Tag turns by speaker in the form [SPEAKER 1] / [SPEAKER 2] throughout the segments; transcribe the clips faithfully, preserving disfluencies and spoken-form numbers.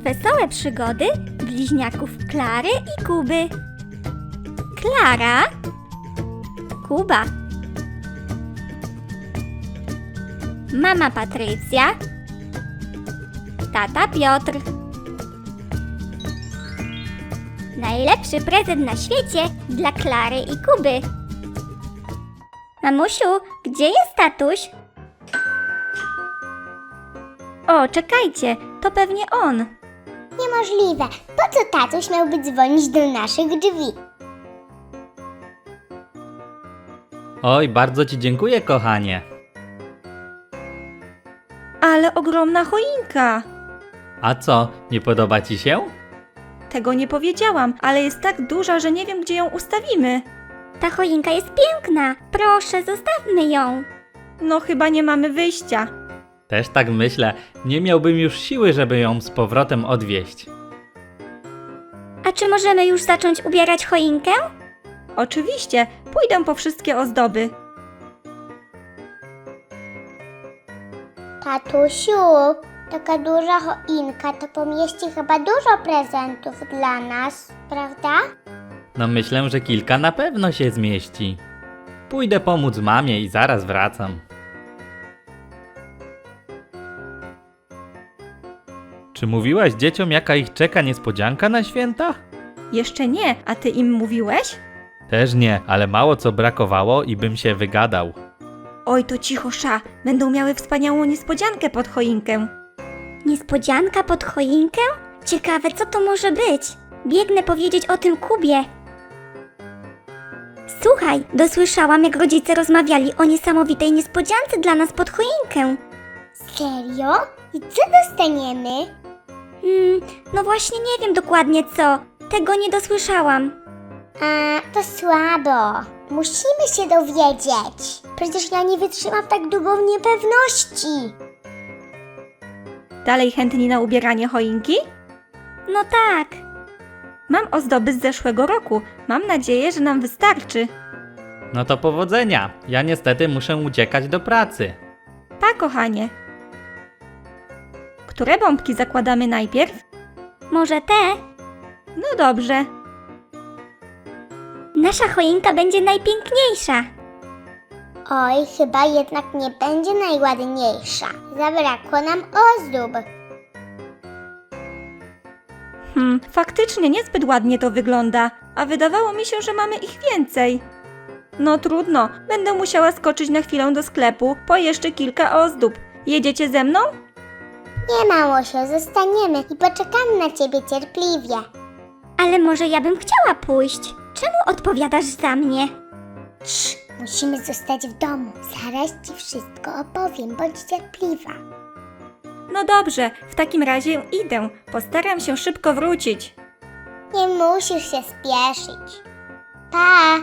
[SPEAKER 1] Wesołe przygody bliźniaków Klary i Kuby. Klara, Kuba, mama Patrycja, tata Piotr. Najlepszy prezent na świecie dla Klary i Kuby. Mamusiu, gdzie jest tatuś? O, czekajcie, to pewnie on.
[SPEAKER 2] Niemożliwe. Po co tatuś miałby dzwonić do naszych drzwi?
[SPEAKER 3] Oj, bardzo ci dziękuję, kochanie.
[SPEAKER 4] Ale ogromna choinka!
[SPEAKER 3] A co, nie podoba ci się?
[SPEAKER 4] Tego nie powiedziałam, ale jest tak duża, że nie wiem, gdzie ją ustawimy.
[SPEAKER 1] Ta choinka jest piękna. Proszę, zostawmy ją.
[SPEAKER 4] No chyba nie mamy wyjścia.
[SPEAKER 3] Też tak myślę, nie miałbym już siły, żeby ją z powrotem odwieźć.
[SPEAKER 1] A czy możemy już zacząć ubierać choinkę?
[SPEAKER 4] Oczywiście, pójdę po wszystkie ozdoby.
[SPEAKER 2] Tatusiu, taka duża choinka to pomieści chyba dużo prezentów dla nas, prawda?
[SPEAKER 3] No myślę, że kilka na pewno się zmieści. Pójdę pomóc mamie i zaraz wracam. Czy mówiłaś dzieciom, jaka ich czeka niespodzianka na święta?
[SPEAKER 4] Jeszcze nie, a ty im mówiłeś?
[SPEAKER 3] Też nie, ale mało co brakowało i bym się wygadał.
[SPEAKER 4] Oj, to cicho, sza. Będą miały wspaniałą niespodziankę pod choinkę.
[SPEAKER 1] Niespodzianka pod choinkę? Ciekawe, co to może być. Biegnę powiedzieć o tym Kubie. Słuchaj, dosłyszałam, jak rodzice rozmawiali o niesamowitej niespodziance dla nas pod choinkę.
[SPEAKER 2] Serio? I co dostaniemy?
[SPEAKER 1] Hmm, no właśnie nie wiem dokładnie co. Tego nie dosłyszałam.
[SPEAKER 2] A, to słabo. Musimy się dowiedzieć. Przecież ja nie wytrzymam tak długo w niepewności.
[SPEAKER 4] Dalej chętni na ubieranie choinki?
[SPEAKER 1] No tak.
[SPEAKER 4] Mam ozdoby z zeszłego roku. Mam nadzieję, że nam wystarczy.
[SPEAKER 3] No to powodzenia. Ja niestety muszę uciekać do pracy.
[SPEAKER 4] Pa, kochanie. Które bombki zakładamy najpierw?
[SPEAKER 1] Może te?
[SPEAKER 4] No dobrze.
[SPEAKER 1] Nasza choinka będzie najpiękniejsza.
[SPEAKER 2] Oj, chyba jednak nie będzie najładniejsza. Zabrakło nam ozdób.
[SPEAKER 4] Hmm, faktycznie niezbyt ładnie to wygląda, a wydawało mi się, że mamy ich więcej. No trudno, będę musiała skoczyć na chwilę do sklepu po jeszcze kilka ozdób. Jedziecie ze mną?
[SPEAKER 2] Nie, mamusiu, zostaniemy i poczekamy na ciebie cierpliwie.
[SPEAKER 1] Ale może ja bym chciała pójść. Czemu odpowiadasz za mnie?
[SPEAKER 2] Cii, musimy zostać w domu. Zaraz ci wszystko opowiem, bądź cierpliwa.
[SPEAKER 4] No dobrze, w takim razie idę. Postaram się szybko wrócić.
[SPEAKER 2] Nie musisz się spieszyć. Pa!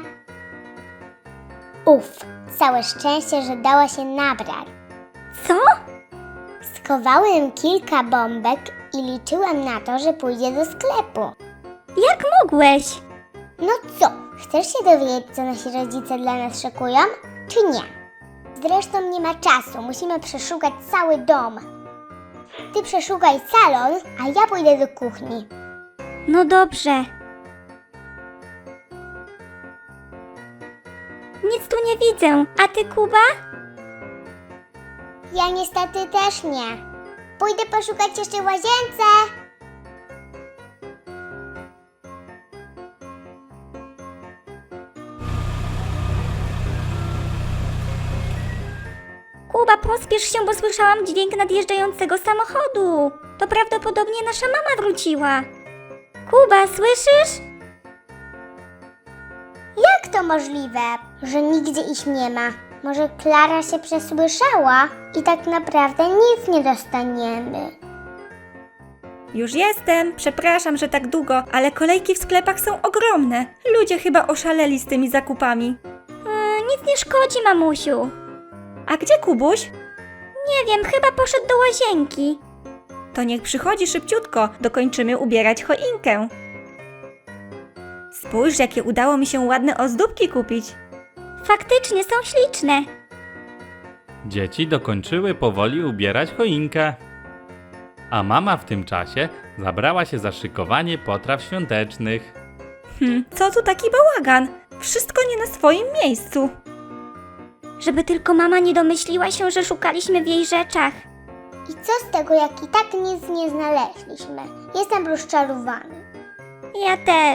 [SPEAKER 2] Uf, całe szczęście, że dała się nabrać.
[SPEAKER 1] Co?
[SPEAKER 2] Schowałem kilka bombek i liczyłem na to, że pójdzie do sklepu.
[SPEAKER 1] Jak mogłeś?
[SPEAKER 2] No co, chcesz się dowiedzieć, co nasi rodzice dla nas szykują, czy nie? Zresztą nie ma czasu, musimy przeszukać cały dom. Ty przeszukaj salon, a ja pójdę do kuchni.
[SPEAKER 1] No dobrze. Nic tu nie widzę. A ty, Kuba?
[SPEAKER 2] Ja niestety też nie. Pójdę poszukać jeszcze w łazience.
[SPEAKER 1] Kuba, pospiesz się, bo słyszałam dźwięk nadjeżdżającego samochodu. To prawdopodobnie nasza mama wróciła. Kuba, słyszysz?
[SPEAKER 2] Jak to możliwe, że nigdzie ich nie ma? Może Klara się przesłyszała i tak naprawdę nic nie dostaniemy.
[SPEAKER 4] Już jestem, przepraszam, że tak długo, ale kolejki w sklepach są ogromne. Ludzie chyba oszaleli z tymi zakupami.
[SPEAKER 1] Yy, nic nie szkodzi, mamusiu.
[SPEAKER 4] A gdzie Kubuś?
[SPEAKER 1] Nie wiem, chyba poszedł do łazienki.
[SPEAKER 4] To niech przychodzi szybciutko, dokończymy ubierać choinkę. Spójrz, jakie udało mi się ładne ozdóbki kupić.
[SPEAKER 1] Faktycznie są śliczne.
[SPEAKER 3] Dzieci dokończyły powoli ubierać choinkę. A mama w tym czasie zabrała się za szykowanie potraw świątecznych.
[SPEAKER 4] Hm, co tu taki bałagan? Wszystko nie na swoim miejscu.
[SPEAKER 1] Żeby tylko mama nie domyśliła się, że szukaliśmy w jej rzeczach.
[SPEAKER 2] I co z tego, jak i tak nic nie znaleźliśmy? Jestem rozczarowany.
[SPEAKER 1] Ja też.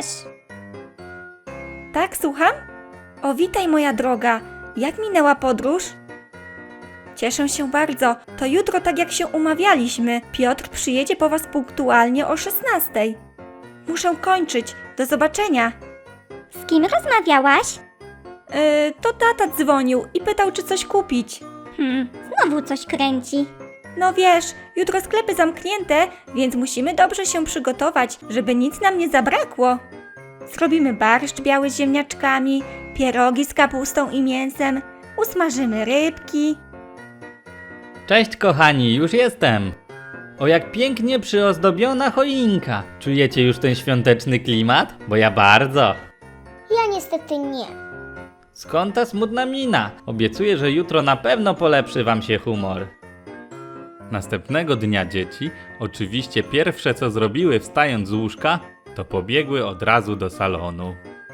[SPEAKER 4] Tak, słucham? O, witaj moja droga. Jak minęła podróż? Cieszę się bardzo. To jutro, tak jak się umawialiśmy, Piotr przyjedzie po was punktualnie o szesnastej. Muszę kończyć. Do zobaczenia.
[SPEAKER 1] Z kim rozmawiałaś?
[SPEAKER 4] Yy, to tata dzwonił i pytał, czy coś kupić.
[SPEAKER 1] Hmm, znowu coś kręci.
[SPEAKER 4] No wiesz, jutro sklepy zamknięte, więc musimy dobrze się przygotować, żeby nic nam nie zabrakło. Zrobimy barszcz biały z ziemniaczkami, pierogi z kapustą i mięsem, usmażymy rybki.
[SPEAKER 3] Cześć kochani, już jestem! O, jak pięknie przyozdobiona choinka! Czujecie już ten świąteczny klimat? Bo ja bardzo!
[SPEAKER 2] Ja niestety nie.
[SPEAKER 3] Skąd ta smutna mina? Obiecuję, że jutro na pewno polepszy wam się humor. Następnego dnia dzieci, oczywiście pierwsze co zrobiły wstając z łóżka, to pobiegły od razu do salonu.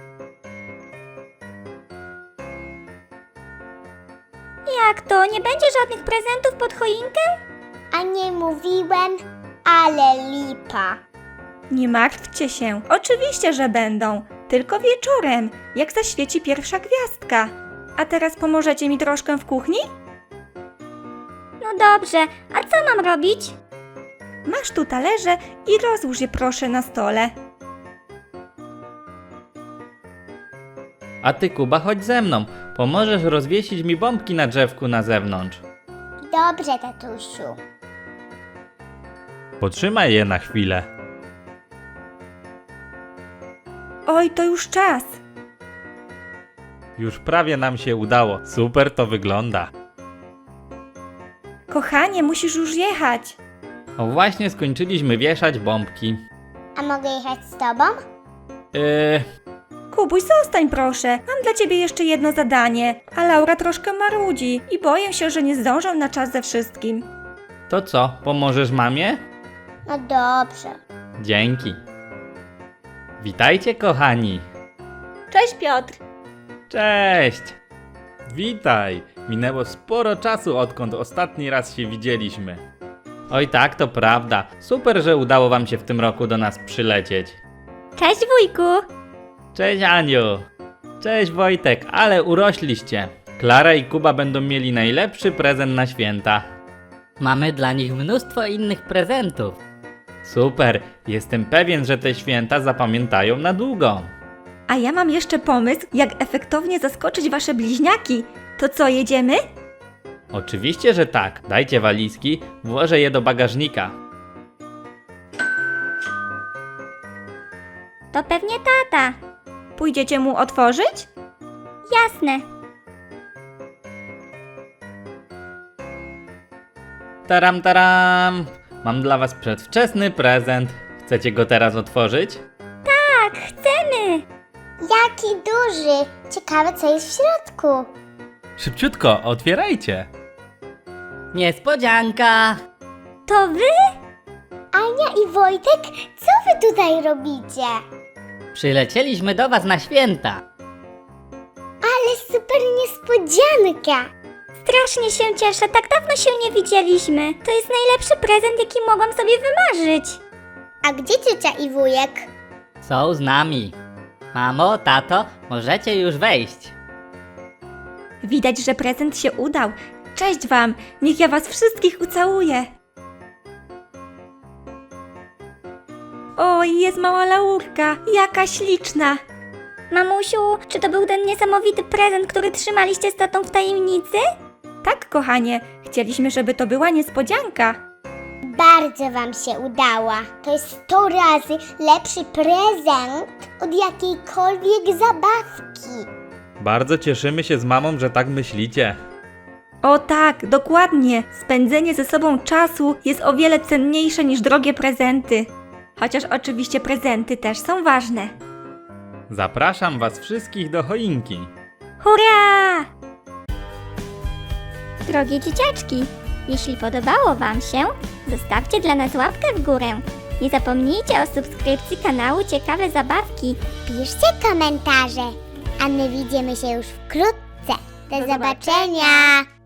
[SPEAKER 1] Jak to? Nie będzie żadnych prezentów pod choinkę?
[SPEAKER 2] A nie mówiłem, ale lipa.
[SPEAKER 4] Nie martwcie się, oczywiście, że będą, tylko wieczorem, jak zaświeci pierwsza gwiazdka. A teraz pomożecie mi troszkę w kuchni?
[SPEAKER 1] No dobrze, a co mam robić?
[SPEAKER 4] Masz tu talerze i rozłóż je proszę na stole.
[SPEAKER 3] A ty Kuba, chodź ze mną. Pomożesz rozwiesić mi bombki na drzewku na zewnątrz.
[SPEAKER 2] Dobrze, tatusiu.
[SPEAKER 3] Potrzymaj je na chwilę.
[SPEAKER 4] Oj, to już czas.
[SPEAKER 3] Już prawie nam się udało. Super to wygląda.
[SPEAKER 4] Kochanie, musisz już jechać.
[SPEAKER 3] O, właśnie skończyliśmy wieszać bombki.
[SPEAKER 2] A mogę jechać z tobą?
[SPEAKER 3] Yy,
[SPEAKER 4] Kubuś, zostań proszę. Mam dla ciebie jeszcze jedno zadanie, a Laura troszkę marudzi i boję się, że nie zdążę na czas ze wszystkim.
[SPEAKER 3] to co, pomożesz mamie?
[SPEAKER 2] No dobrze.
[SPEAKER 3] Dzięki. Witajcie kochani.
[SPEAKER 4] Cześć Piotr.
[SPEAKER 3] Cześć! Witaj! Minęło sporo czasu, odkąd ostatni raz się widzieliśmy. Oj tak, to prawda. Super, że udało wam się w tym roku do nas przylecieć.
[SPEAKER 1] Cześć wujku.
[SPEAKER 3] Cześć Aniu! Cześć Wojtek, ale urośliście. Klara i Kuba będą mieli najlepszy prezent na święta.
[SPEAKER 5] Mamy dla nich mnóstwo innych prezentów.
[SPEAKER 3] Super, jestem pewien, że te święta zapamiętają na długo.
[SPEAKER 4] A ja mam jeszcze pomysł, jak efektownie zaskoczyć wasze bliźniaki. To co, jedziemy?
[SPEAKER 3] Oczywiście, że tak. Dajcie walizki, włożę je do bagażnika.
[SPEAKER 1] To pewnie tata.
[SPEAKER 4] Pójdziecie mu otworzyć?
[SPEAKER 1] Jasne.
[SPEAKER 3] Taram, taram! Mam dla was przedwczesny prezent. Chcecie go teraz otworzyć?
[SPEAKER 1] Tak, chcemy.
[SPEAKER 2] Jaki duży! Ciekawe, co jest w środku.
[SPEAKER 3] Szybciutko, otwierajcie!
[SPEAKER 5] Niespodzianka!
[SPEAKER 1] To wy?
[SPEAKER 2] Ania i Wojtek, co wy tutaj robicie?
[SPEAKER 5] Przylecieliśmy do was na święta.
[SPEAKER 2] Ale super niespodzianka!
[SPEAKER 1] Strasznie się cieszę, tak dawno się nie widzieliśmy. To jest najlepszy prezent, jaki mogłam sobie wymarzyć.
[SPEAKER 2] A gdzie ciocia i wujek?
[SPEAKER 5] Są z nami. Mamo, tato, możecie już wejść.
[SPEAKER 4] Widać, że prezent się udał. Cześć wam, niech ja was wszystkich ucałuję. Oj, jest mała Laurka, jaka śliczna.
[SPEAKER 1] Mamusiu, czy to był ten niesamowity prezent, który trzymaliście z tatą w tajemnicy?
[SPEAKER 4] Tak, kochanie, chcieliśmy, żeby to była niespodzianka.
[SPEAKER 2] Bardzo wam się udała. To jest sto razy lepszy prezent od jakiejkolwiek zabawki.
[SPEAKER 3] Bardzo cieszymy się z mamą, że tak myślicie.
[SPEAKER 4] O tak, dokładnie. Spędzenie ze sobą czasu jest o wiele cenniejsze niż drogie prezenty. Chociaż oczywiście prezenty też są ważne.
[SPEAKER 3] Zapraszam was wszystkich do choinki.
[SPEAKER 1] Hurra! Drogie dzieciaczki, Jeśli podobało Wam się, zostawcie dla nas łapkę w górę. Nie zapomnijcie o subskrypcji kanału Ciekawe Zabawki.
[SPEAKER 2] Piszcie komentarze, a my widzimy się już wkrótce. Do zobaczenia.